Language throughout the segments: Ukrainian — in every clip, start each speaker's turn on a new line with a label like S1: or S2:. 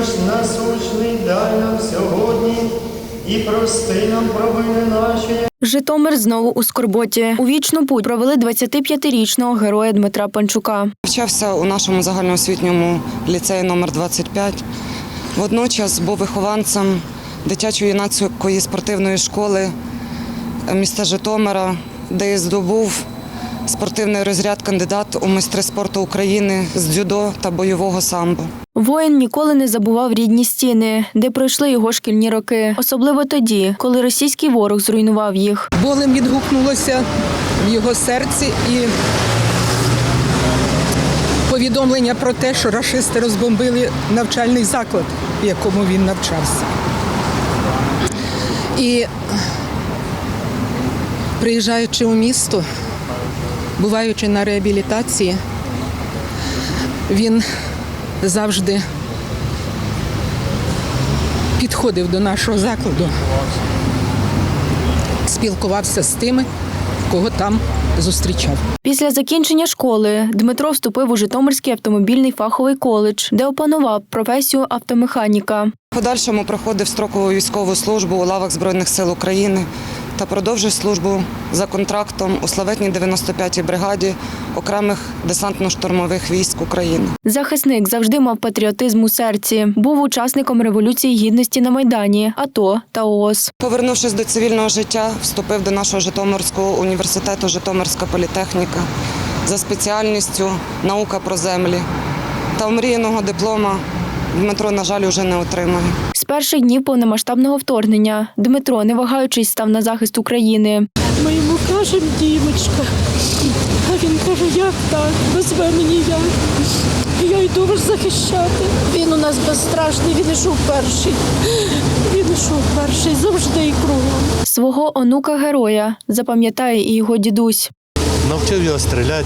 S1: наш насущний дай нам сьогодні і прости нам провини наші.
S2: Житомир знову у скорботі. У вічну путь провели 25-річного героя Дмитра Панчука.
S3: Навчався у нашому загальноосвітньому ліцеї номер 25. Водночас був вихованцем дитячо-юнацької спортивної школи міста Житомира, де і здобув спортивний розряд кандидат у майстри спорту України з дзюдо та бойового самбо.
S2: Воїн ніколи не забував рідні стіни, де пройшли його шкільні роки. Особливо тоді, коли російський ворог зруйнував їх.
S4: Болем відгукнулося в його серці і повідомлення про те, що рашисти розбомбили навчальний заклад, в якому він навчався. І приїжджаючи у місто, буваючи на реабілітації, він завжди підходив до нашого закладу, спілкувався з тими, кого там зустрічав.
S2: Після закінчення школи Дмитро вступив у Житомирський автомобільний фаховий коледж, де опанував професію автомеханіка.
S3: В подальшому проходив строкову військову службу у лавах Збройних сил України та продовжив службу за контрактом у славетній 95-й бригаді окремих десантно-штурмових військ України.
S2: Захисник завжди мав патріотизм у серці. Був учасником Революції Гідності на Майдані, АТО та ООС.
S3: Повернувшись до цивільного життя, вступив до нашого Житомирського університету «Житомирська політехніка» за спеціальністю «Наука про землі». Та омріяного диплома Дмитро, на жаль, уже не отримає.
S2: З перших днів повномасштабного вторгнення Дмитро, не вагаючись, став на захист України.
S5: Ми йому кажемо, Дімочка, а він каже, як так, без мене ніяк. Я йду вас захищати. Він у нас безстрашний, він йшов перший. Він йшов перший, завжди і кругом.
S2: Свого онука-героя запам'ятає і його дідусь.
S6: Навчив його стріляти.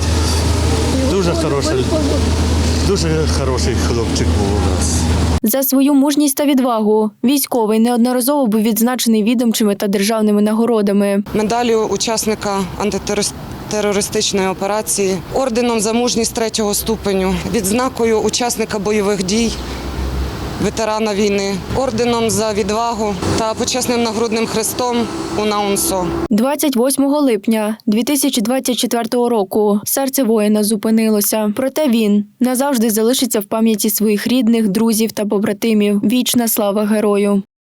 S6: Дуже хороший хлопчик був у нас.
S2: За свою мужність та відвагу військовий неодноразово був відзначений відомчими та державними нагородами.
S3: Медаллю учасника антитерористичної операції, орденом за мужність 3-го ступеню, відзнакою учасника бойових дій, ветерана війни, орденом за відвагу та почесним нагрудним хрестом УНАУНСО.
S2: 28 липня 2024 року серце воїна зупинилося. Проте він назавжди залишиться в пам'яті своїх рідних, друзів та побратимів. Вічна слава герою!